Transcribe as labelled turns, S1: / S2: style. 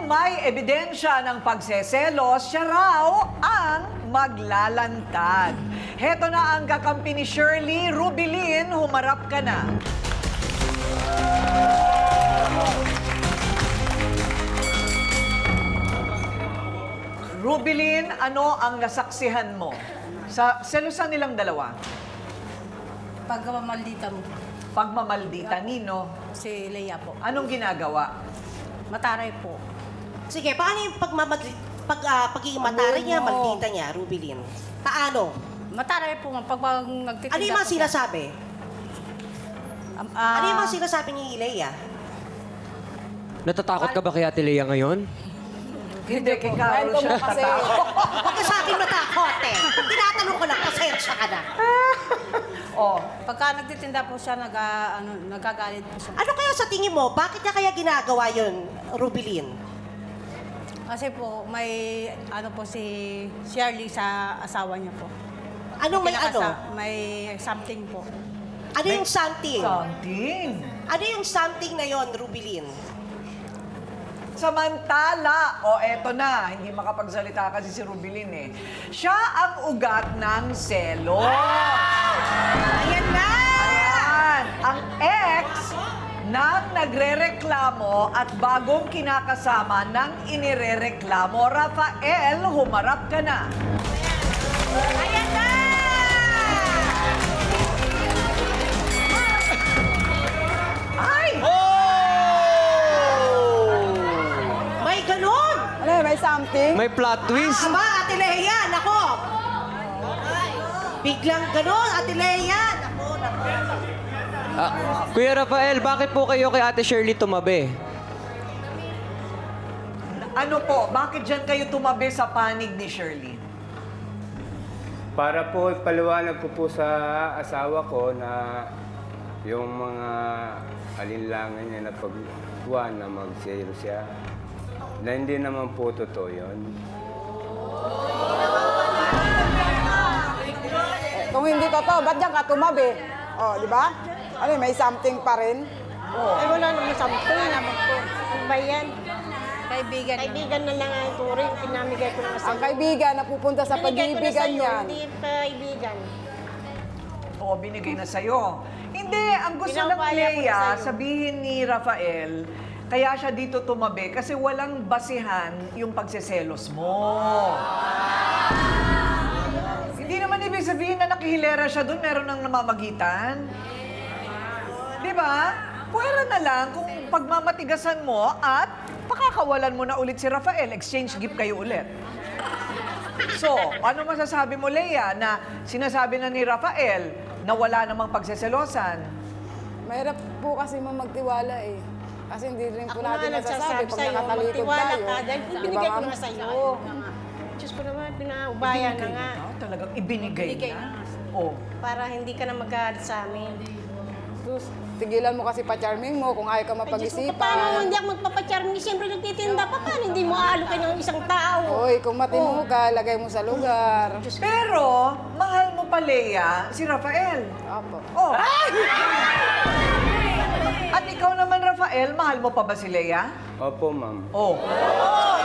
S1: may ebidensya ng pagseselos, siya raw ang maglalantad. Heto na ang kakampi ni Shirley. Rubilin, humarap ka na. Rubilin, ano ang nasaksihan mo sa selosan nilang dalawa?
S2: Pagmamaldita mo.
S1: Pagmamaldita, Nino.
S2: Si Leia po.
S1: Anong ginagawa?
S2: Mataray po.
S3: Sige, paano yung pagiging matari niya, maldita niya, Rubilin? Paano?
S2: Mataray po. Pag nagtitinda
S3: Ano yung mga
S2: po siya.
S3: sinasabi? Ano yung mga sinasabi ni Leia?
S4: Natatakot ka ba kay Ate Lea ngayon?
S1: Hindi, kay Carol siya tatakot.
S3: Huwag ka sa akin matakot eh. Tinatanong ko lang, pasensya ka na.
S1: Oh,
S2: Pagka nagtitinda po siya, nagagalit po siya.
S3: Ano kaya sa tingin mo? Bakit niya kaya ginagawa yun, Rubilin?
S2: Kasi po, may ano po si Shirley sa asawa niya po.
S3: Anong may ano?
S2: May something po.
S3: Ano yung something?
S1: something.
S3: Ano yung something na yon, Rubilin?
S1: Samantala, eto na, hindi makapagsalita kasi si Rubilin eh. Siya ang ugat ng selo.
S3: Ayan na!
S1: Ayan, ang ex ng nagrereklamo at bagong kinakasama ng inirereklamo. Rafael, humarap ka na.
S3: Ayan na!
S1: Ay!
S3: May ganun!
S5: Ano, may something?
S4: May plot twist.
S3: Aba, Ate Leia, nako! Biglang ganun, Ate Leia! Nako, nako.
S4: Kuya Rafael, bakit po kayo kay Ate Shirley tumabi?
S1: Ano po, bakit dyan kayo tumabi sa panig ni Shirley?
S6: Para po ipaliwanag ko po sa asawa ko na yung mga alinlangan niya na pagkuha na mag-sale siya, na hindi naman po totoo yun.
S5: Kung hindi totoo, ba't diyan ka tumabi? Oh, di ba? Ano, may something pa rin?
S7: Ay, wala naman sampung naman po. Ano ba yan?
S2: Kaibigan.
S7: Kaibigan na lang ang turing. Pinamigay ko naman sa
S5: Ang kaibigan na pupunta sa
S7: Binigay ko na
S5: pag-ibigan
S7: sa'yo,
S5: niyan.
S7: hindi kaibigan.
S1: Oo, binigay na sa'yo. Hindi, ang gusto ng
S7: Pinapaya ko na
S1: Lea,
S7: sa'yo.
S1: sabihin ni Rafael, kaya siya dito tumabi kasi walang basihan yung pagseselos mo. Hindi naman ibig sabihin na nakihilera siya doon, meron ng namamagitan. Di ba? Pwera na lang kung pagmamatigasan mo at pakakawalan mo na ulit si Rafael, exchange gift kayo ulit. So, ano masasabi mo, Lea, na sinasabi na ni Rafael na wala namang pagseselosan?
S5: Mahirap po kasi magtiwala eh. Kasi hindi rin po
S7: Ako
S5: natin
S7: nga
S5: nasasabi
S7: nagsasabi
S5: pag
S7: sa'yo,
S5: nakatalikod
S7: magtiwala
S5: tayo.
S7: ka. Dahil
S5: Di ba,
S7: binigay ko
S5: ma'am?
S7: naman sa'yo. Diyos ko naman, pinaubayan na nga.
S1: Talagang ibinigay
S2: Ibinigay
S1: na.
S2: na.
S1: Oh.
S7: Para hindi ka na magalit sa amin.
S5: Sus, tigilan mo kasi pa-charming mo kung ayaw ka
S7: Ay, Diyos ko, paano
S5: mapag-isipan.
S7: hindi ako magpapacharming? Siyempre nagtitinda pa. Paano hindi mo aalokay ng isang tao?
S5: Hoy, kung matino ka, lagay mo sa lugar.
S1: Pero, mahal mo pa, Lea, si Rafael.
S5: Opo.
S1: Oh. At ikaw naman, Rafael, mahal mo pa ba si Lea?
S6: Opo, ma'am.
S1: Oh.